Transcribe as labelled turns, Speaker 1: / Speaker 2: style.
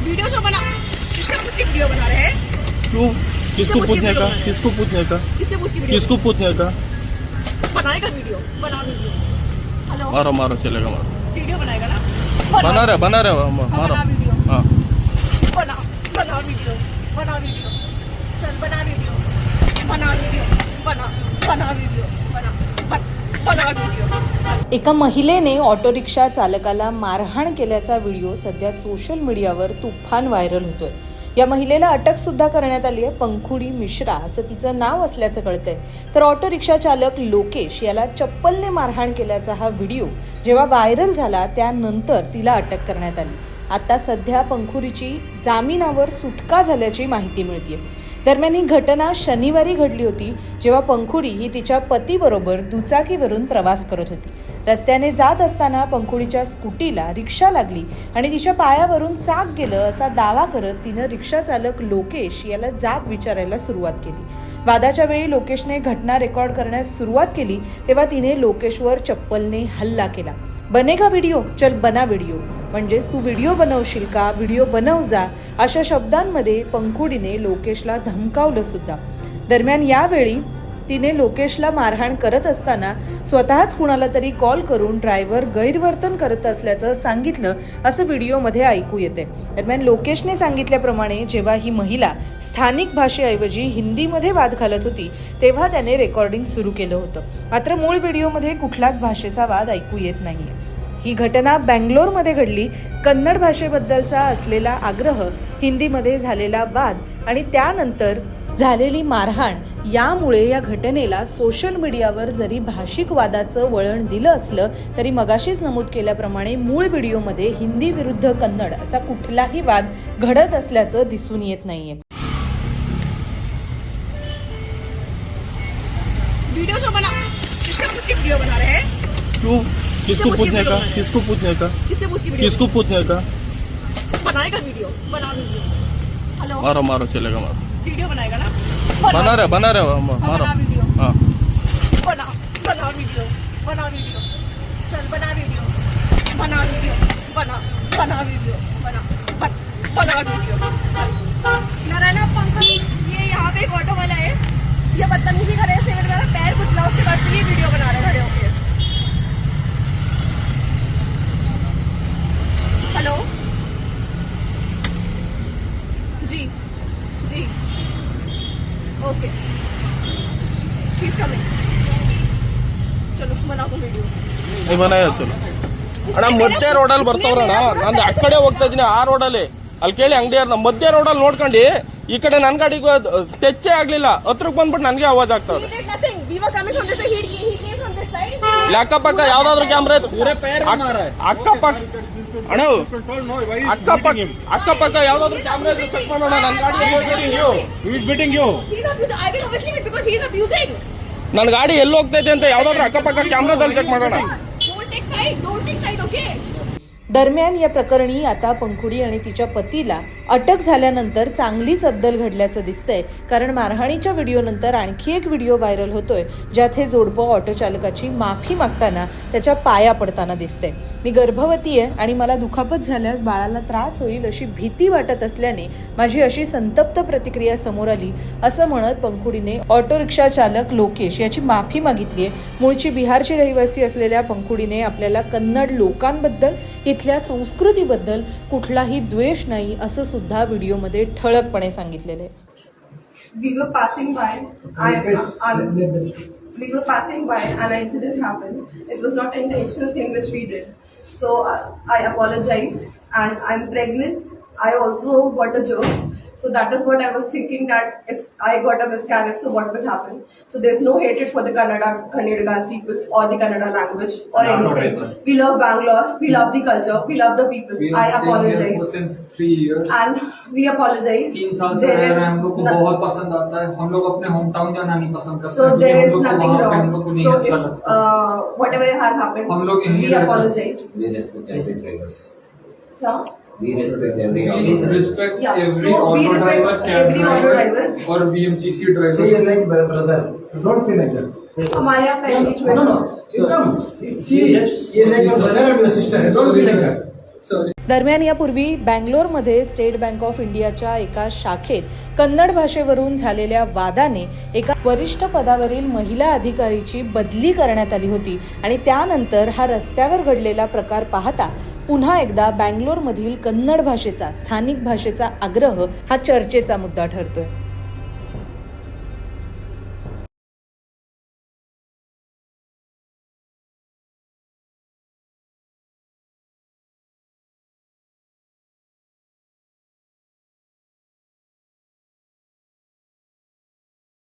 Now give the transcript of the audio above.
Speaker 1: Video जो बना, किससे पूछ के वीडियो बना रहे हैं?
Speaker 2: क्यों? किसको पूछने का? किसको पूछने का?
Speaker 1: किससे पूछ के वीडियो?
Speaker 2: किसको पूछने का?
Speaker 1: बनाएगा वीडियो, बना वीडियो। हेलो,
Speaker 2: मारो मारो, चलेगा मारो।
Speaker 1: वीडियो बनाएगा ना?
Speaker 2: बना रहे मारो।
Speaker 1: बना वीडियो,
Speaker 2: हाँ
Speaker 1: बना वीडियो, बना वीडियो, चल बना वीडियो, बना वीडियो, बना वीडियो, बना वीडियो।
Speaker 3: एका महिलेने ऑटो रिक्षा चालकाला मारहाण केल्याचा व्हिडिओ सध्या सोशल मीडियावर तुफान व्हायरल होतोय। या महिलेला अटक सुद्धा करण्यात आली आहे। पंखुडी मिश्रा असं तिचं नाव असल्याचं कळतंय। तर ऑटो रिक्षा चालक लोकेश याला चप्पलने मारहाण केल्याचा हा व्हिडिओ जेव्हा व्हायरल झाला त्यानंतर तिला अटक करण्यात आली। आता सध्या पंखुरीची जामिनावर सुटका झाल्याची माहिती मिळते। दरम्यान ही घटना शनिवारी घडली होती, जेव्हा पंखुडी ही तिच्या पतीबरोबर दुचाकीवरून प्रवास करत होती। रस्त्याने जात असताना पंखुडीच्या स्कूटीला रिक्षा लागली आणि तिच्या पायावरून चाक गेलं असा दावा करत तिनं रिक्षा चालक लोकेश याला जाब विचारायला सुरुवात केली। वादाच्या वेळी लोकेशने घटना रेकॉर्ड करण्यास सुरुवात केली तेव्हा तिने लोकेशवर चप्पलने हल्ला केला। बनेगा व्हिडिओ, चल बना व्हिडिओ, म्हणजेच तू व्हिडिओ बनवशील का, व्हिडिओ बनव जा, अशा शब्दांमध्ये पंखुडीने लोकेशला धमकावलं सुद्धा। दरम्यान यावेळी तिने लोकेशला मारहाण करत असताना स्वतःच कुणाला तरी कॉल करून ड्रायव्हर गैरवर्तन करत असल्याचं सांगितलं, असं व्हिडिओमध्ये ऐकू येते। दरम्यान लोकेशने सांगितल्याप्रमाणे जेव्हा ही महिला स्थानिक भाषेऐवजी हिंदीमध्ये वाद घालत होती तेव्हा त्याने रेकॉर्डिंग सुरू केलं होतं। मात्र मूळ व्हिडिओमध्ये कुठलाच भाषेचा वाद ऐकू येत नाहीये। ही घटना बँगलोरमध्ये घडली। कन्नड भाषेबद्दलचा असलेला आग्रह, हिंदीमध्ये झालेला वाद आणि त्यानंतर झालेली मारहाण यामुळे या घटनेला सोशल मीडियावर जरी भाषिक वादाचं वळण दिलं असलं तरी मगाशीच नमूद केल्याप्रमाणे मूळ व्हिडिओमध्ये हिंदी विरुद्ध कन्नड असा कुठलाही वाद घडत असल्याचं दिसून येत नाहीये।
Speaker 1: वीडियो जो बना, किससे पूछ के वीडियो बना रहे हैं?
Speaker 2: क्यों? किसको पूछने का? किसको पूछने का?
Speaker 1: किससे पूछ के वीडियो?
Speaker 2: किसको पूछने का?
Speaker 1: बनाएगा वीडियो, बना वीडियो। हेलो,
Speaker 2: मारो, चलेगा मारो।
Speaker 1: वीडियो बनाएगा ना?
Speaker 2: बना रहे मारो।
Speaker 1: बना वीडियो,
Speaker 2: हाँ
Speaker 1: बना वीडियो, बना वीडियो, चल बना वीडियो, बना वीडियो, बना वीडियो, बना वीडियो। नारायण पंकज, ये यहाँ पे एक ऑटो वाला है, ये बदतमीजी कर रहे हैं, मेरा पैर कुचला, उसके बाद ये वीडियो बना रहे खड़े होके। हेलो, जी, ओके, प्लीज कमिंग, चलो बनाओ तो वीडियो।
Speaker 2: नहीं बनाया, चलो ಅಣ್ಣ ಮಧ್ಯ ರೋಡಲ್ಲಿ ಬರ್ತಾವ್ರಣ್ಣ, ನಾನು ಆ ಕಡೆ ಹೋಗ್ತಾ ಇದೀನಿ, ಆ ರೋಡಲ್ಲಿ ಅಲ್ಲಿ ಕೇಳಿ ಅಂಗಡಿಯವ್ರನ್ನ ಮಧ್ಯ ರೋಡಲ್ಲಿ ನೋಡ್ಕೊಂಡು ಈ ಕಡೆ ನನ್ ಗಾಡಿಗೆ ಟಚ್ಚೇ ಆಗ್ಲಿಲ್ಲ, ಹತ್ರಕ್ಕೆ ಬಂದ್ಬಿಟ್ಟು ನನ್ಗೆ ಆವಾಜ್ ಆಗ್ತಾವ್ರೆ। ಇಲ್ಲಿ ಅಕ್ಕಪಕ್ಕ ಯಾವ್ದಾದ್ರು ಕ್ಯಾಮ್ರಾ ಅಕ್ಕಪಕ್ಕ ಅಣ್ಣ ಅಕ್ಕಪಕ್ಕ ಯಾವ್ದಾದ್ರು ಕ್ಯಾಮ್ರಾ ಇದ್ರೆ ಚೆಕ್ ಮಾಡೋಣ। ನನ್ ಗಾಡಿ ಎಲ್ಲಿ ಹೋಗ್ತೈತೆ ಅಂತ ಯಾವ್ದಾದ್ರು ಅಕ್ಕಪಕ್ಕ ಕ್ಯಾಮ್ರಾದಲ್ಲಿ ಚೆಕ್ ಮಾಡೋಣ।
Speaker 3: दरम्यान या प्रकरणी आता पंखुडी आणि तिच्या पतीला अटक झाल्यानंतर चांगलीच अद्दल घडल्याचं दिसतंय। कारण मारहाणीच्या व्हिडिओनंतर आणखी एक व्हिडिओ व्हायरल होतोय ज्यात हे जोडपं ऑटो चालकाची माफी मागताना त्याच्या पाया पडताना दिसतंय। मी गर्भवती आहे आणि मला दुखापत झाल्यास बाळाला त्रास होईल अशी भीती वाटत असल्याने माझी अशी संतप्त प्रतिक्रिया समोर आली, असं म्हणत पंखुडीने ऑटो रिक्षा चालक लोकेश याची माफी मागितली आहे। मूळची बिहारची रहिवासी असलेल्या पंखुडीने आपल्याला कन्नड लोकांबद्दल, इथल्या संस्कृतीबद्दल कुठलाही द्वेष नाही असं सुद्धा व्हिडिओमध्ये ठळकपणे सांगितलेलं आहे।
Speaker 4: We were passing by and an incident happened. It was not an intentional thing which we did. So I apologize, and I'm pregnant. I also got a germ. So that is what I was thinking, that if I got a miscarriage, so what will happen? So there's no hatred for the Kannadigas people or the Kannada language or anything. We love Bangalore, we love the culture, we love the people. I apologize.
Speaker 5: Since 3 years.
Speaker 4: And we apologize.
Speaker 5: 3 साल से रह रहे हैं, हम लोग को बहुत पसंद आता है। हम लोग अपने होम टाउन जाना नहीं पसंद करते।
Speaker 4: So there is nothing wrong.
Speaker 5: हम लोग को नहीं
Speaker 4: So
Speaker 5: अच्छा
Speaker 4: if
Speaker 5: लगता।
Speaker 4: whatever has happened,
Speaker 5: हम लोग यहीं
Speaker 4: we apologize.
Speaker 6: We respect every drivers.
Speaker 4: Yeah.
Speaker 6: We respect every
Speaker 5: We
Speaker 6: auto.
Speaker 5: respect
Speaker 4: Yeah.
Speaker 5: every
Speaker 4: So we
Speaker 5: auto
Speaker 4: respect
Speaker 5: driver, cab
Speaker 4: every auto
Speaker 5: driver
Speaker 4: drivers.
Speaker 5: और BMTC driver।
Speaker 7: She is like brother. Don't feel like that.
Speaker 4: हमारे यहाँ पहली
Speaker 7: No. You come. She is like your brother and your sister. Don't feel like that.
Speaker 3: दरम्यान यापूर्वी बँगलोरमध्ये state bank of इंडियाच्या एका शाखेत कन्नड भाषेवरून झालेल्या वादाने एका वरिष्ठ पदावरील महिला अधिकारीची बदली करण्यात आली होती आणि त्यानंतर हा रस्त्यावर घडलेला प्रकार पाहता पुन्हा एकदा बँगलोरमधील कन्नड भाषेचा स्थानिक भाषेचा आग्रह हा चर्चेचा मुद्दा ठरतोय.